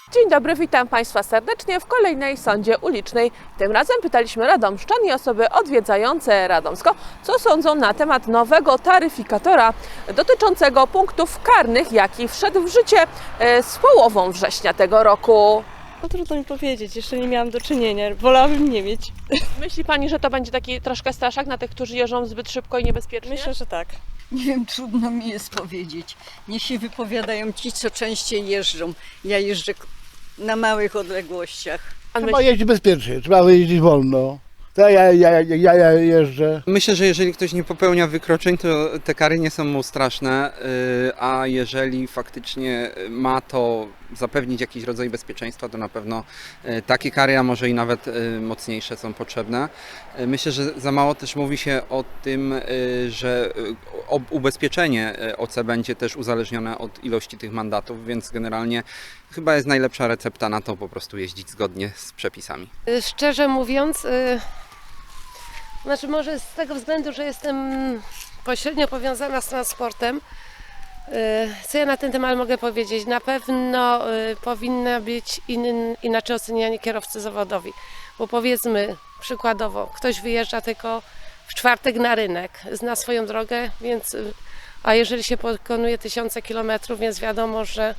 Dzień dobry, witam Państwa serdecznie w kolejnej sądzie ulicznej. Tym razem pytaliśmy radomszczan i osoby odwiedzające Radomsko, co sądzą na temat nowego taryfikatora dotyczącego punktów karnych, jaki wszedł w życie z połową września tego roku. No trudno mi powiedzieć, jeszcze nie miałam do czynienia, wolałabym nie mieć. Myśli Pani, że to będzie taki troszkę straszak na tych, którzy jeżdżą zbyt szybko i niebezpiecznie? Myślę, że tak. Nie wiem, trudno mi jest powiedzieć. Niech się wypowiadają ci, co częściej jeżdżą. Ja jeżdżę na małych odległościach. Trzeba jeździć bezpiecznie, trzeba jeździć wolno. To ja jeżdżę. Myślę, że jeżeli ktoś nie popełnia wykroczeń, to te kary nie są mu straszne, a jeżeli faktycznie ma to zapewnić jakiś rodzaj bezpieczeństwa, to na pewno takie kary, a może i nawet mocniejsze są potrzebne. Myślę, że za mało też mówi się o tym, że ubezpieczenie OC będzie też uzależnione od ilości tych mandatów, więc generalnie chyba jest najlepsza recepta na to po prostu jeździć zgodnie z przepisami. Szczerze mówiąc, znaczy może z tego względu, że jestem pośrednio powiązana z transportem, co ja na ten temat mogę powiedzieć? Na pewno powinna być inaczej oceniani kierowcy zawodowi, bo powiedzmy przykładowo, ktoś wyjeżdża tylko w czwartek na rynek, zna swoją drogę, więc, a jeżeli się pokonuje tysiące kilometrów, więc wiadomo, że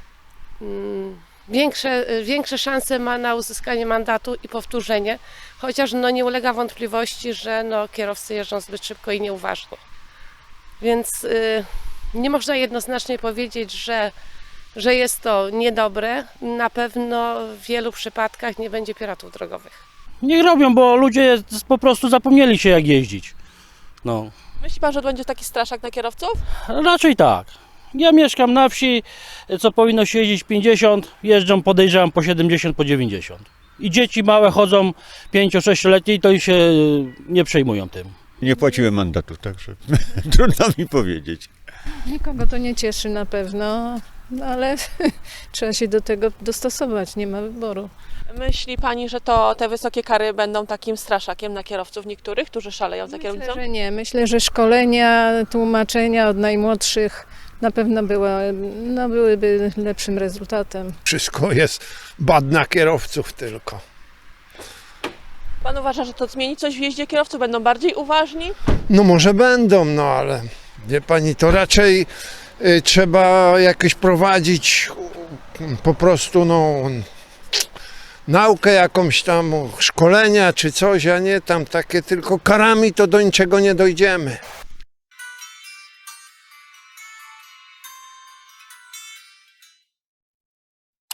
większe szanse ma na uzyskanie mandatu i powtórzenie, chociaż nie ulega wątpliwości, że kierowcy jeżdżą zbyt szybko i nieuważnie. Więc nie można jednoznacznie powiedzieć, że jest to niedobre. Na pewno w wielu przypadkach nie będzie piratów drogowych. Niech robią, bo ludzie po prostu zapomnieli się jak jeździć. Myśli Pan, że to będzie taki straszak na kierowców? Raczej tak. Ja mieszkam na wsi, co powinno się jeździć 50, jeżdżą podejrzewam po 70, po 90. I dzieci małe chodzą 5-6-letnie i to i się nie przejmują tym. Nie płaciłem mandatu, także trudno mi powiedzieć. Nikogo to nie cieszy na pewno, ale trzeba się do tego dostosować, nie ma wyboru. Myśli Pani, że te wysokie kary będą takim straszakiem na kierowców niektórych, którzy szaleją za kierownicą? Myślę, że nie. Myślę, że szkolenia, tłumaczenia od najmłodszych na pewno byłyby lepszym rezultatem. Wszystko jest bad na kierowców tylko. Pan uważa, że to zmieni coś w jeździe kierowców? Będą bardziej uważni? No może będą, ale wie Pani, to raczej trzeba jakoś prowadzić po prostu naukę jakąś tam, szkolenia czy coś, a nie tam takie tylko karami to do niczego nie dojdziemy.